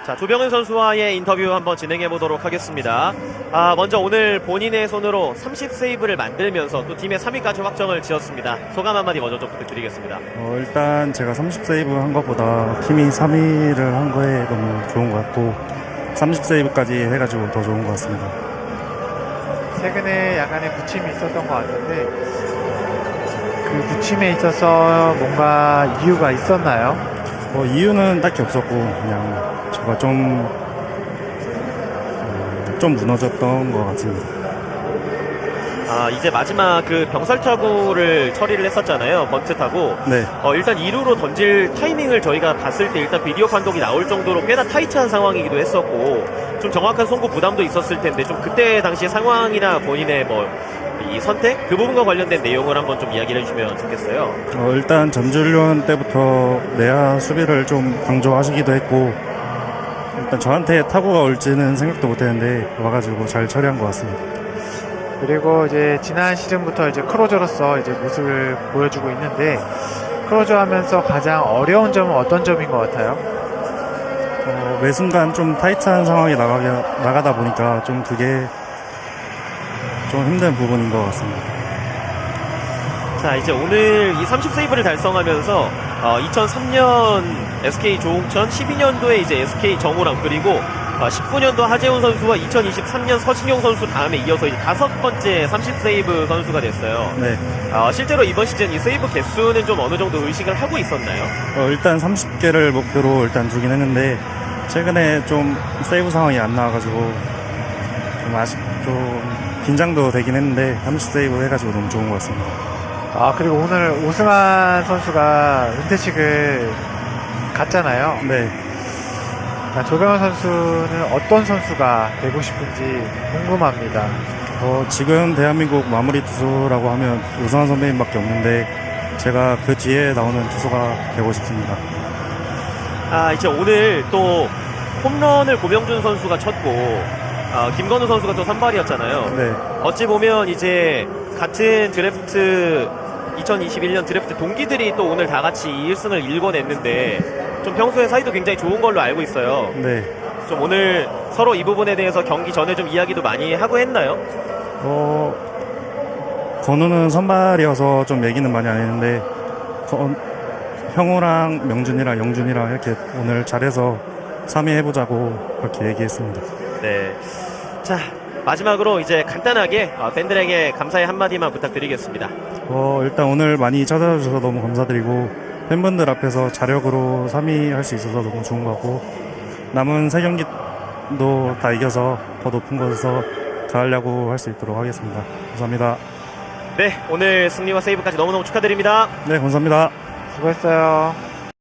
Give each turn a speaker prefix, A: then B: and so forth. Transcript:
A: 자, 조병현 선수와의 인터뷰 한번 진행해 보도록 하겠습니다. 먼저 오늘 본인의 손으로 30세이브를 만들면서 또 팀의 3위까지 확정을 지었습니다. 소감 한마디 먼저 좀 부탁드리겠습니다.
B: 일단 제가 30세이브 한 것보다 팀이 3위를 한 거에 너무 좋은 것 같고 30세이브까지 해가지고 더 좋은 것 같습니다.
C: 최근에 약간의 부침이 있었던 것 같은데 그 부침에 있어서 뭔가 이유가 있었나요?
B: 이유는 딱히 없었고 그냥 제가 좀 무너졌던 것 같습니다.
A: 이제 마지막 그 병살 타구를 처리를 했었잖아요. 번트 타구.
B: 네.
A: 일단 2루로 던질 타이밍을 저희가 봤을 때 일단 비디오 판독이 나올 정도로 꽤나 타이트한 상황이기도 했었고 좀 정확한 송구 부담도 있었을 텐데 좀 그때 당시 상황이나 본인의 이 선택? 그 부분과 관련된 내용을 한번 좀 이야기를 해주시면 좋겠어요.
B: 일단 전주훈련 때부터 내야 수비를 좀 강조하시기도 했고 일단 저한테 타구가 올지는 생각도 못했는데 와가지고 잘 처리한 것 같습니다.
C: 그리고 이제 지난 시즌부터 이제 크로저로서 이제 모습을 보여주고 있는데 크로저 하면서 가장 어려운 점은 어떤 점인 것 같아요?
B: 매 순간 좀 타이트한 상황이 나가다 보니까 좀 그게 좀 힘든 부분인 것 같습니다.
A: 자, 이제 오늘 이 30세이브를 달성하면서 2003년 SK 조홍천, 12년도에 이제 SK 정우람, 그리고 19년도 하재훈 선수와 2023년 서진용 선수 다음에 이어서 이제 5번째 30세이브 선수가 됐어요.
B: 네.
A: 실제로 이번 시즌 이 세이브 개수는 좀 어느 정도 의식을 하고 있었나요?
B: 일단 30개를 목표로 일단 두긴 했는데 최근에 좀 세이브 상황이 안 나와가지고 좀 긴장도 되긴 했는데 30세이브 해가지고 너무 좋은 것 같습니다.
C: 그리고 오늘 오승환 선수가 은퇴식을 갔잖아요.
B: 네.
C: 조병현 선수는 어떤 선수가 되고 싶은지 궁금합니다.
B: 지금 대한민국 마무리 투수라고 하면 오승환 선배님밖에 없는데 제가 그 뒤에 나오는 투수가 되고 싶습니다.
A: 이제 오늘 또 홈런을 고병준 선수가 쳤고 김건우 선수가 또 선발이었잖아요.
B: 네.
A: 어찌 보면 이제 같은 드래프트 2021년 드래프트 동기들이 또 오늘 다 같이 1승을 일궈냈는데 좀 평소에 사이도 굉장히 좋은 걸로 알고 있어요.
B: 네.
A: 좀 오늘 서로 이 부분에 대해서 경기 전에 좀 이야기도 많이 하고 했나요?
B: 건우는 선발이어서 좀 얘기는 많이 안 했는데 형우랑 명준이랑 영준이랑 이렇게 오늘 잘해서 3위 해보자고 그렇게 얘기했습니다.
A: 네. 자, 마지막으로 이제 간단하게 팬들에게 감사의 한마디만 부탁드리겠습니다.
B: 일단 오늘 많이 찾아와 주셔서 너무 감사드리고 팬분들 앞에서 자력으로 3위 할 수 있어서 너무 좋은 것 같고 남은 3경기도 다 이겨서 더 높은 곳에서 가려고 할 수 있도록 하겠습니다. 감사합니다.
A: 네, 오늘 승리와 세이브까지 너무너무 축하드립니다.
B: 네, 감사합니다.
C: 수고했어요.